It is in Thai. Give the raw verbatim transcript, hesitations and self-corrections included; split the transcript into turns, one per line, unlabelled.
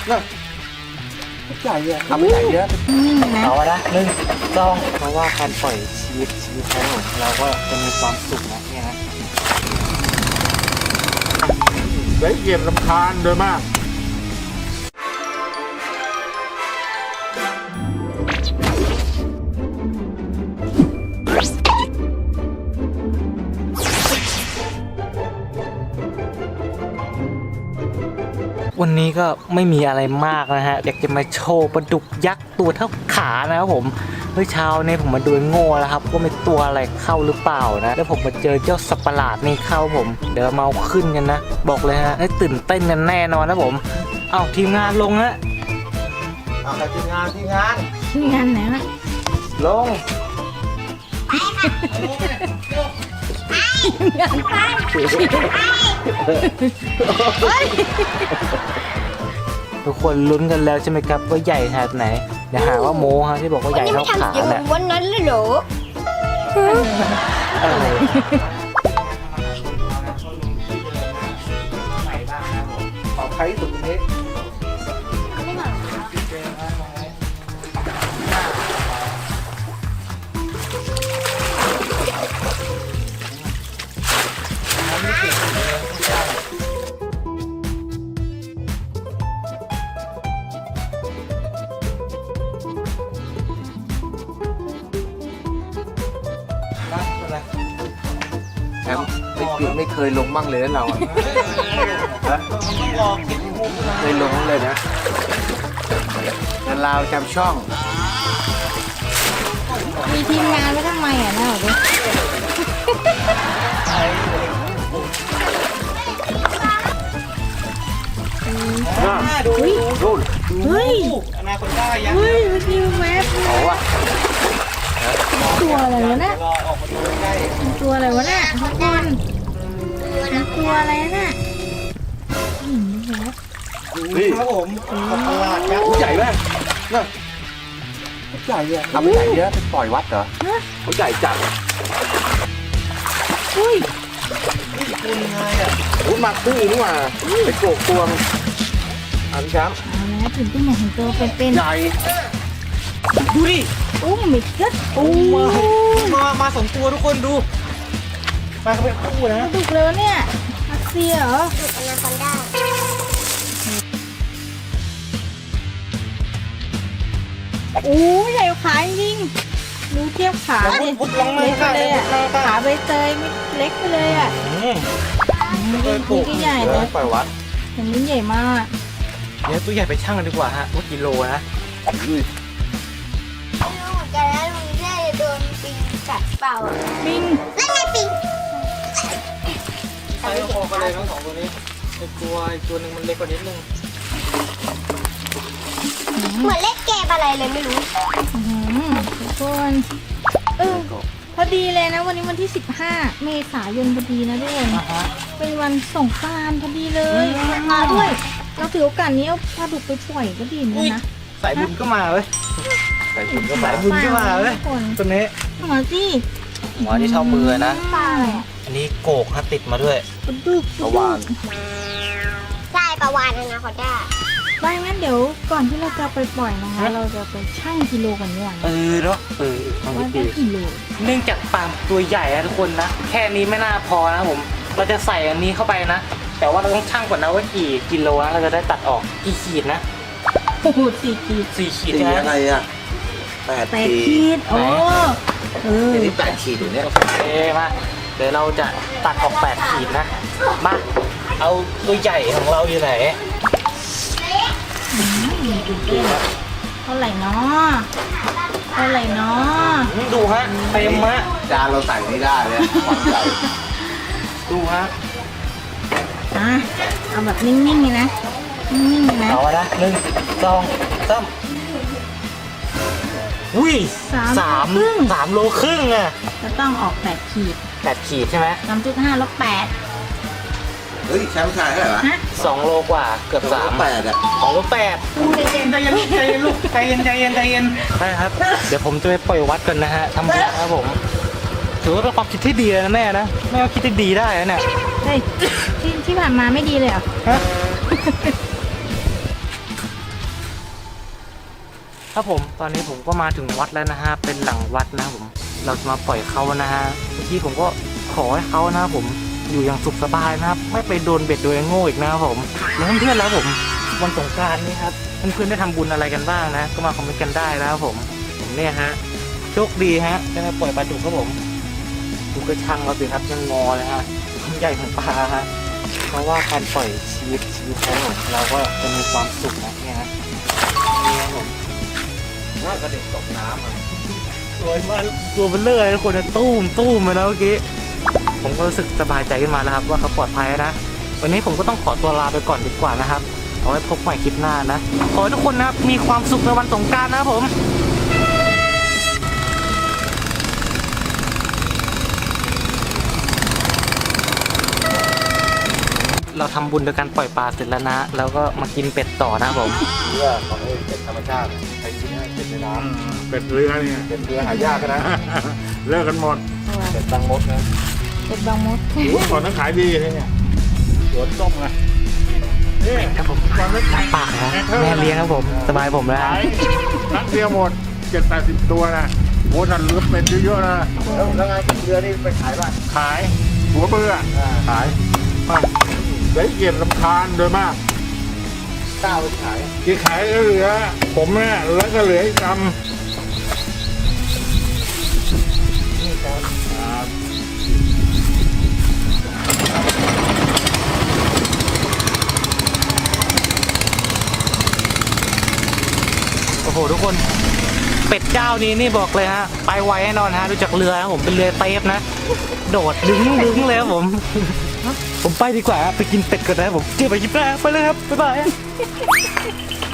น่ะใหญ่อะทำไม่ใหญ่เยอะเอาละหนึ่งสองเพราะว่าการปล่อยชีวิตชีวิตของเราก็จะมีความสุขนะเนี่ยนะได้เยี่ยมลำคาญโดยมากวันนี้ก็ไม่มีอะไรมากนะฮะอยากจะมาโชว์ปลาดุกยักษ์ตัวเท่าขานะครับผมเมื่อเช้าเนี่ยผมมาดูโง่แล้วครับว่ามีตัวอะไรเข้าหรือเปล่านะแล้วผมมาเจอเจ้าสัตว์ประหลาดนี่เข้าผมเดี๋ยวมาเอาขึ้นกันนะบอกเลยฮะให้ตื่นเต้นกันแน่นอนนะผมเอาทีมงานลงฮะเอาแต่ทีมงานทีมงาน
ทีมงานไหนวะ
ลง
งานไป
ทุกคนลุ้นกันแล้วใช่ไหมครับว่าใหญ่ขนาดไหนเดี๋ยวหาว่าโม้ฮะที่บอกว่าใหญ่เท่าขาเนี่ย
วันนั้นเลยเหรอ
อะไรขอใครที่สุดตรงนี้
ไม่หมา
แอมไม่เคยไม่เคยลงบ้างเลยนะเราอ่ะเคยลงเลยนะแต่เราจำช่อง
มีทีมงานไว้ทำไมอ่ะนะเหรอ
ดูดู
เฮ้ย
อนาคตได้ยัง
เฮ้ยเมื่อกี้แวบ
เอาวะ
ตัวอะไรวะเนี่ยตัวอะไรวะเนี่ยทุกคนตัวอะไรน่ะ
นี่ครับผมตลาดยักษ์ใหญ่มากน่ะใหญ่อะทำไม่ใหญ่เยอะไปปล่อยวัดเหรอเขาใหญ่จัด
อุ้ย
คุณยังไงอ่ะอุ้ยมาคู่นี่หว่าไปโกกตวงอันครับ
เอาแล้วถึงที่ไหนถึงตัวเป็นๆ
ใหญ่ดูดิ
โอ้ไม่เกิดโอ้
มามาสองตัวทุกคนดูมาเขาเป็นคู่นะ
ดุกเลยวะเนี่ยอักเซียเหรอดุกอนาคอนด้าโอ้ใหญ่ขาจริงดูเทียบขาดิเล็กไปเลยอ่ะขาใบเตยเล็กไปเลยอ่ะนี่ก็ใหญ่เลย
ปล่อยวัด
อย่างนี้ใหญ่มาก
เดี๋ยวตัวใหญ่ไปชั่งกันดีกว่าฮะว่ากิโลนะ
แต่แล้วลุงได้โดนปิงกัดเปล่าปิงนั่นไงปิง
ใช้พอกันเลยทั้งสองตัวนี้ไอตัวไอตัวนึงมันเล็กกว่านิดนึง
เหมือนเล็กเกมอะไรเลยไม่รู้ทุกคนเออพอดีเลยนะวันนี้วันที่สิบห้าเมษายนพอดีนะทุกคนเป็นวันสงกรานต์พอดีเลยมาด้วยเราถือโอกาสนี้เอาปลาดุกไปปล่อยก็ดีนะ
สายบุญก็มาเว้ยสายบุญก็มาบุญก็มาเว้ยตัวนี้
หัวจี้
หัวที่เท่ามือนะ
ปลาอะไร
อันนี้โกกฮะติดมาด้วย
ปลาดุก
ปลาวาน
ใช่ปลาวานนะขอได้ว่างั้นเดี๋ยวก่อนที่เราจะไปปล่อยนะคะเราจะไปชั่งกิโลกันเนี่ย
เออเนาะเออ
ว่าได้กิโล
เนื่องจากปลาตัวใหญ่นะทุกคนนะแค่นี้ไม่น่าพอนะผมเราจะใส่อันนี้เข้าไปนะแต่ว่าเราต้องชั่งก่อนนะว่ากี่กิโลนะเราจะได้ตัดออกกี่ขีดนะ
โอ้โหสี่ขีด
สี่ขีดนะ
อะไรอ่ะแปด
ขีดโอ้
เออนี่แปดขีดอยู่เนี่ย
โอเคมาเดี๋ยวเราจะตัดออกแปดขีดนะมาเอาตัวใหญ่ของเราอยู่ไหน
เท่าไหร่เนาะเท่าไหร่เนาะ
ดูฮะเต็มฮะ
จานเราใส่ไม่ได้เลยความใหญ่
ดูฮะ
อ่ะเอาแบบนิ่งๆเลยนะนิ่งๆเลยนะ
เอาละหนึ่งสองสามอุ้ยสามสามโลครึ่งอ่ะ
จะต้องออกแปดขีด
แปดขีดใช่ไหม
สามจุดห้าลบแปด
เฮ้ยแชมป์ชายเท่าไหร่วะ
สองโลกว่าเกือบสาม
แปดอ่ะ
สองโลแปดใจเย็นใจเย็นใจเย็นลูกใจเย็นใจเย็นใจเย็นใช่ครับเดี๋ยวผมจะไปปล่อยวัดกันนะฮะทำบุญนะครับผมถือว่าเป็นความคิดที่ดีนะแม่นะแม่ก็คิดที่ดีได้นะเนี่ย
เฮ้ยที่ที่ผ่านมาไม่ดีเลยเหรอฮะ
ครับผมตอนนี้ผมก็มาถึงวัดแล้วนะฮะเป็นหลังวัดนะครับผมเราจะมาปล่อยเขานะฮะเมื่อกี้ผมก็ขอให้เขานะครับผมอยู่อย่างสุขสบายนะครับไม่ไปโดนเบ็ดโดยโง่อีกนะครับผมแล้วเพื่อนๆแล้วผมวันสงกรานต์นี้ครับเพื่อนๆได้ทำบุญอะไรกันบ้างนะก็มาคอมเมนต์กันได้นะครับผมผมเนี่ยฮะโชคดีฮะได้มาปล่อยปลาดุกครับผมดูกระชังเราสิครับยังงอเลยฮะความใหญ่ของปลาฮะเพราะว่าการปล่อยชีวิตชีวิตของผมเราก็จะมีความสุขนะเนี่ยฮะนี่ครับผม
ว่ากระเด็นตกน้ำอ่ะ
สวยมากตัวเบลเลอร์ทุกคนนะตู้มตู้มมาแล้วเมื่อกี้ผมก็รู้สึกสบายใจขึ้นมาแล้วครับว่าเขาปลอดภัยนะวันนี้ผมก็ต้องขอตัวลาไปก่อนดีกว่านะครับเอาไว้พบใหม่คลิปหน้านะขอให้ทุกคนนะครับมีความสุขในวันสงกรานต์นะครับผมเราทำบุญโดยการปล่อยปลาเสร็จแล้วนะแล้วก็มากินเป็ดต่อนะครับผม
เรือของไอ้เป็ดธรรมชาติใครกินให้เป็ดในน้
เป็ดเรือเนี่ย
ำเป็ดเรือหายากนะ
เลิกกันหมด
เป็ดตังมดนะ
เป็ดบางมด
โอ้ก่อนนั้นขายดีเลยเนี่ยสวนส้มไงนี่
ครับผม
ก่อนนั้นขาย
ปากนะแม่เลี้ยงครับผมสบายผมแล้ว
ขายนัดเดียวหมดเจ็ดแปดสิบตัวนะโอ้นั่นเลือเป็ดเยอะๆนะ
แล้วแล้วไงเป็ดเรือนี่ไปขายป่ะ
ขายหัวเบื่อ
อ่า
ขายมาได้เกียรติลำคาญโดยมาก
ก้าวไปขาย
ที่ขายก็เหลือ ผมเนี่ยแล้วก็เหลืออีกกำ
นี่ครับ
ครับ
โอ้โหทุกคนเป็ดเจ้านี้นี่บอกเลยฮะไปไวแน่นอนฮะดูจากเรือนะผมเป็นเรือเตฟนะ โดดดึงดึงเลยครับผม ผมไปดีกว่าฮะไปกินเป็ดก่อนนะผมเจอไปกินปลาไปเลยครับบ๊ายบาย